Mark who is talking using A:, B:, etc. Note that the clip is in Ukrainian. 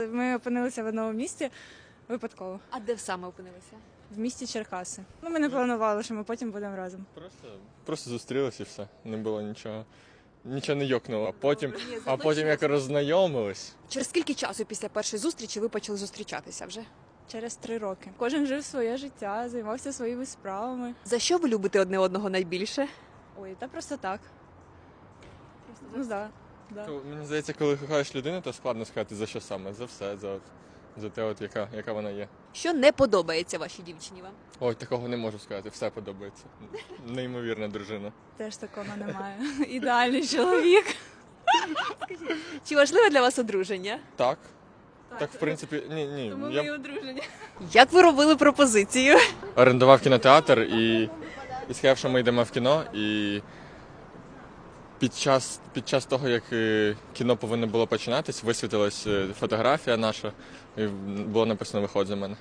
A: Ми опинилися в одному місті випадково,
B: А де саме опинилися?
A: в місті Черкаси. Ми не планували, що ми потім будемо разом.
C: Просто зустрілися і все. Не було нічого. Нічого не йокнуло. А потім як роззнайомились.
B: Через скільки часу після першої зустрічі ви почали зустрічатися вже?
A: Через 3 роки. Кожен жив своє життя, займався своїми справами.
B: За що ви любите одне одного найбільше?
A: Ой, та просто так. Ну, да.
C: Мені здається, коли кохаєш людину, то складно сказати за що саме. За все, за те, от, яка вона є.
B: Що не подобається вашій дівчині вам?
C: Ой, такого не можу сказати, все подобається. Неймовірна дружина.
A: Теж такого немає. Ідеальний чоловік.
B: Чи важливе для вас одруження?
C: Так. Так, в принципі, ні.
A: Тому ми
C: Я
A: і одружені.
B: Як ви робили пропозицію?
C: орендував кінотеатр і сказав, що ми йдемо в кіно. І під час того, як кіно повинно було починатись, висвітилась фотографія наша, і було написано «Виходь за мене».